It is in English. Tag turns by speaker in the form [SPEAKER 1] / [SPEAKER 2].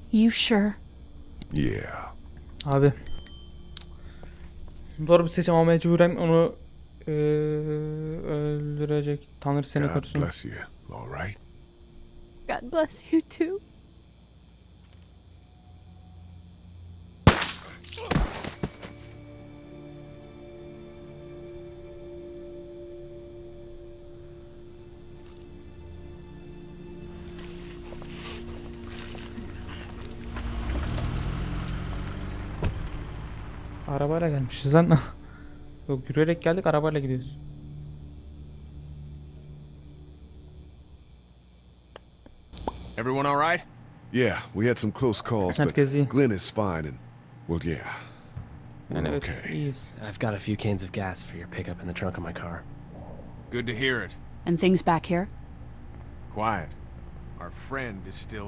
[SPEAKER 1] You sure?
[SPEAKER 2] Yeah.
[SPEAKER 3] Abi. Doğru bir seçim ama mecburen onu öldürecek. Tanrı seni
[SPEAKER 2] God
[SPEAKER 3] korusun.
[SPEAKER 2] bless you. All right?
[SPEAKER 1] God bless you too.
[SPEAKER 3] Arabayla gelmişiz lan. Yok, yürüyerek geldik, arabayla gidiyoruz.
[SPEAKER 4] Everyone all right?
[SPEAKER 2] Yeah, we had some close calls, but
[SPEAKER 3] Herkes iyi.
[SPEAKER 2] Glenn is fine and, well, yeah.
[SPEAKER 3] Yani
[SPEAKER 2] We're
[SPEAKER 3] evet,
[SPEAKER 2] okay.
[SPEAKER 3] iyiyiz.
[SPEAKER 5] I've got a few cans of gas for your pickup in the trunk of my car.
[SPEAKER 4] Good to hear it.
[SPEAKER 1] And things back here?
[SPEAKER 4] Quiet. Our friend is still